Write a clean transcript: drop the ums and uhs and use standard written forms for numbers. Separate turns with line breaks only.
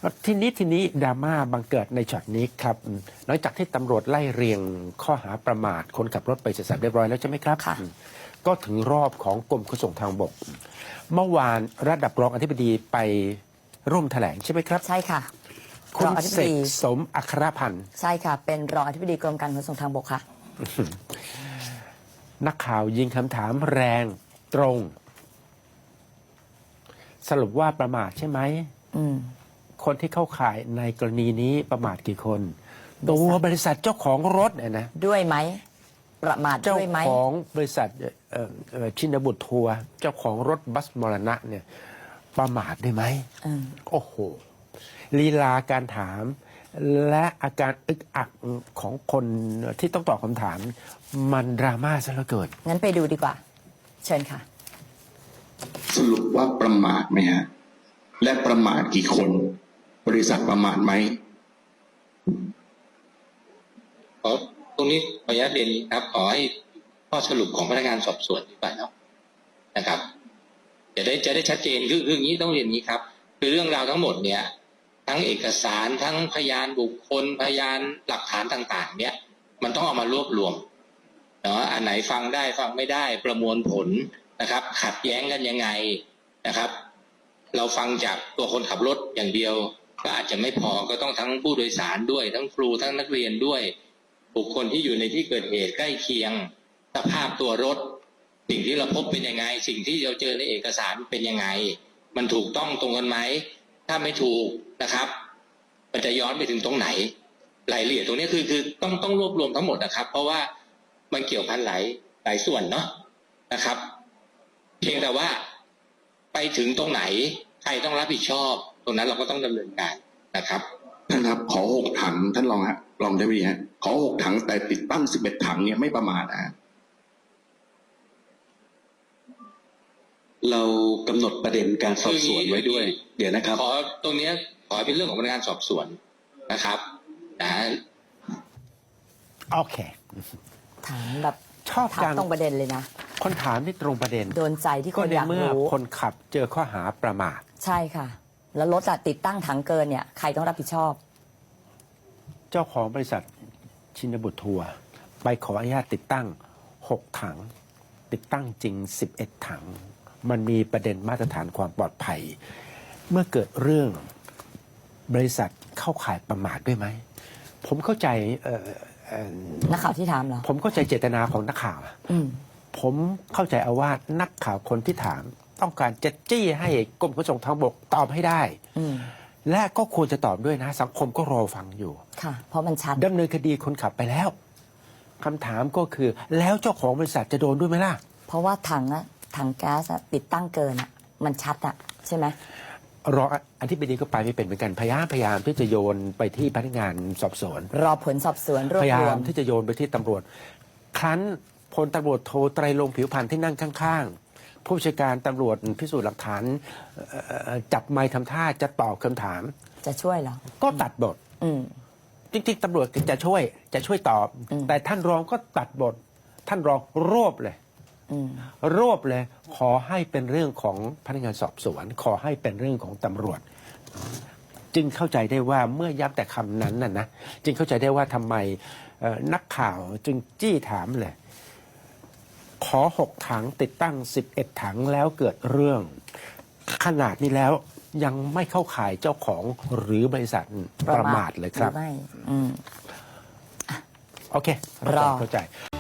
ทีนี้ดราม่าบังเกิดในช็อตนี้ครับหลังจากที่ตำรวจไล่เรียงข้อหาประมาทคนขับรถไปเสร็จสับเรียบร้อยแล้วใช่ไหมครับก็ถึงรอบของกรมขนส่งทางบกเมื่อวานระดับรองอธิบดีไปร่วมแถลงใช่ไหมครับ
ใช่ค่ะ
คุณเสกสมอัครพันธ์
ใช่ค่ะเป็นรองอธิบดีกรมการขนส่งทางบกค่ะ
นักข่าวยิงคำถามแรงตรงสรุปว่าประมาทใช่ไหมคนที่เข้าข่ายในกรณีนี้ประมาทกี่คนตัวบริษัทเจ้าของรถเนี่ยนะ
ด้วยไหมประมาทด้วยไหม
เจ้าของบริษัทชินบุตรทัวร์เจ้าของรถบัสมรณะเนี่ยประมาทได้ไหมโอ้โหลีลาการถามและอาการอึกอักของคนที่ต้องตอบคำถามมันดราม่าซะเหลือเกิน
งั้นไปดูดีกว่าเชิญค่ะ
สรุปว่าประมาทไหมฮะและประมาทกี่คนบริษัทประมาทไหม
ตรงนี้ขออนุญาตเรียนครับขอให้ข้อสรุปของพนักงานสอบสวนดีกว่านะครับจะได้ชัดเจนคืออย่างนี้ต้องเรียนนี้ครับคือเรื่องราวทั้งหมดเนี่ยทั้งเอกสารทั้งพยานบุคคลพยานหลักฐานต่างๆเนี่ยมันต้องเอามารวบรวมเนาะอันไหนฟังได้ฟังไม่ได้ประมวลผลนะครับขัดแย้งกันยังไงนะครับเราฟังจากตัวคนขับรถอย่างเดียวก็อาจจะไม่พอก็ต้องทั้งผู้โดยสารด้วยทั้งครูทั้งนักเรียนด้วยบุคคลที่อยู่ในที่เกิดเหตุใกล้เคียงสภาพตัวรถสิ่งที่เราพบเป็นยังไงสิ่งที่เราเจอในเอกสารเป็นยังไงมันถูกต้องตรงกันไหมถ้าไม่ถูกนะครับมันจะย้อนไปถึงตรงไหนรายละเอียดตรงนี้คือต้องรวบรวมทั้งหมดนะครับเพราะว่ามันเกี่ยวพันหลายส่วนเนาะนะครับเพียงแต่ว่าไปถึงตรงไหนใครต้องรับผิดชอบตรงนั้นเราก็ต้องดำเนินการนะครับ
ท่านครับขอ6 ถังท่านรองฮะรองได้ไหมฮะขอ6 ถังแต่ติดตั้ง11 ถังเนี่ยไม่ประมาทนะ
เรากำหนดประเด็นการสอบสวนไว้ด้วยเดี๋ยวนะครับ
ขอตรงนี้ขอเป็นเรื่องของพนักงานสอบสวนนะครับ
โอเค
ถามแบบ
ชอบ
ถามตรงประเด็นเลยนะ
คนถามที่ตรงประเด็น
โดนใจที่คนอยากรู้
ก็ในเมื่อคนขับเจอข้อหาประมาท
ใช่ค่ะแล้วรถติดตั้งถังเกินเนี่ยใครต้องรับผิดชอบ
เจ้าของบริษัทชินบุตรทัวร์ไปขออนุญาตติดตั้ง6 ถังติดตั้งจริง11 ถังมันมีประเด็นมาตรฐานความปลอดภัยเมื่อเกิดเรื่องบริษัทเข้าข่ายประมาทด้วยไหมผมเข้าใจ
นักข่าวที่ถามเหรอ
ผมเข้าใจเจตนาของนักข่าวผมเข้าใจเอาว่านักข่าวคนที่ถามต้องการจะจี้ให้กรมขนส่งทางบกตอบให้ได้และก็ควรจะตอบด้วยนะสังคมก็รอฟังอยู่
ค่ะเพราะมันชัด
ดำเนินคดีคนขับไปแล้วคำถามก็คือแล้วเจ้าของบริษัทจะโดนด้วยไหมล่ะ
เพราะว่าถังแก๊สติดตั้งเกินมันชัดใช่ไหม
รออธิบดีก็ไปไม่เป็นเหมือนกันพยายามที่จะโยนไปที่พนักงานสอบสวน
รอผลสอบสวนรวบรวม
พยายามที่จะโยนไปที่ตำรวจครั้นพลตำรวจโทไตรรงค์ผิวพรรณที่นั่งข้างๆผู้บัญชาการตำรวจพิสูจน์หลักฐานจับไมค์ทำท่าจะตอบคำถาม
จะช่วยเหรอ
ก็ตัดบทจริงๆตำรวจจะช่วยตอบแต่ท่านรองก็ตัดบทท่านรองรวบเลยขอให้เป็นเรื่องของพนักงานสอบสวนขอให้เป็นเรื่องของตำรวจจึงเข้าใจได้ว่าเมื่อย้ำแต่คำนั้นนะจึงเข้าใจได้ว่าทำไมนักข่าวจึงจี้ถามเลยขอ6 ถังติดตั้ง11 ถังแล้วเกิดเรื่องขนาดนี้แล้วยังไม่เข้าข่ายเจ้าของหรือบริษัทประมาทเลยครับ
ไม่
โอเคเข้าใจ